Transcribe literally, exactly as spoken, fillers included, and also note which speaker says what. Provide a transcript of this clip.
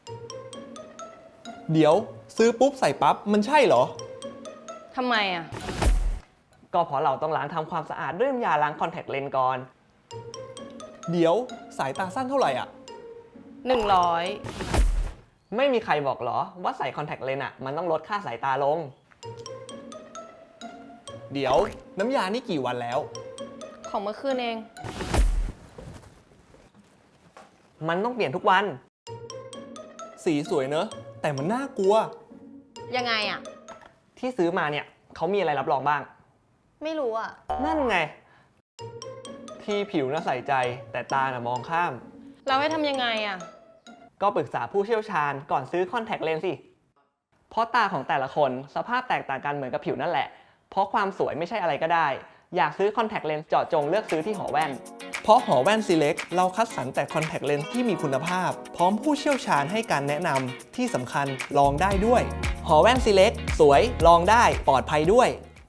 Speaker 1: เดี๋ยวซื้อปุ๊บใส่ปั๊บมันใช่เหรอ
Speaker 2: ทำไมอ่ะ
Speaker 3: ก็เพราะเราต้องล้างทำความสะอาดด้วยน้ำยาล้างคอนแทคเลนส์ก่อน
Speaker 1: เดี๋ยวสายตาสั้นเท่าไหร่อ่ะ
Speaker 2: หนึ่งร้อย
Speaker 3: ไม่มีใครบอกหรอว่าใส่คอนแทคเลนส์อ่ะมันต้องลดค่าสายตาลง
Speaker 1: เดี๋ยวน้ำยานี่กี่วันแล้ว
Speaker 2: ของเมื่อคืนเอง
Speaker 3: มันต้องเปลี่ยนทุกวัน
Speaker 1: สีสวยเนอะแต่มันน่ากลัว
Speaker 2: ยังไงอ่ะ
Speaker 3: ที่ซื้อมาเนี่ยเขามีอะไรรับรองบ้าง
Speaker 2: ไม่รู้อ่ะ
Speaker 3: นั่นไง ที่ผิวน่ะใส่ใจแต่ตาน่ะมองข้าม
Speaker 2: เราให้ทำยังไงอ่ะ
Speaker 3: ก็ปรึกษาผู้เชี่ยวชาญก่อนซื้อคอนแทคเลนส์สิ เพราะตาของแต่ละคนสภาพแตกต่างกันเหมือนกับผิวนั่นแหละ เพราะความสวยไม่ใช่อะไรก็ได้ อยากซื้อคอนแทคเลนส์เจาะจงเลือกซื้อที่หอแว่น
Speaker 1: เพราะหอแว่น Select เราคัดสรรแต่คอนแทคเลนส์ที่มีคุณภาพ พร้อมผู้เชี่ยวชาญให้การแนะนำที่สำคัญลองได้ด้วย หอแว่น Select สวยลองได้ปลอดภัยด้วย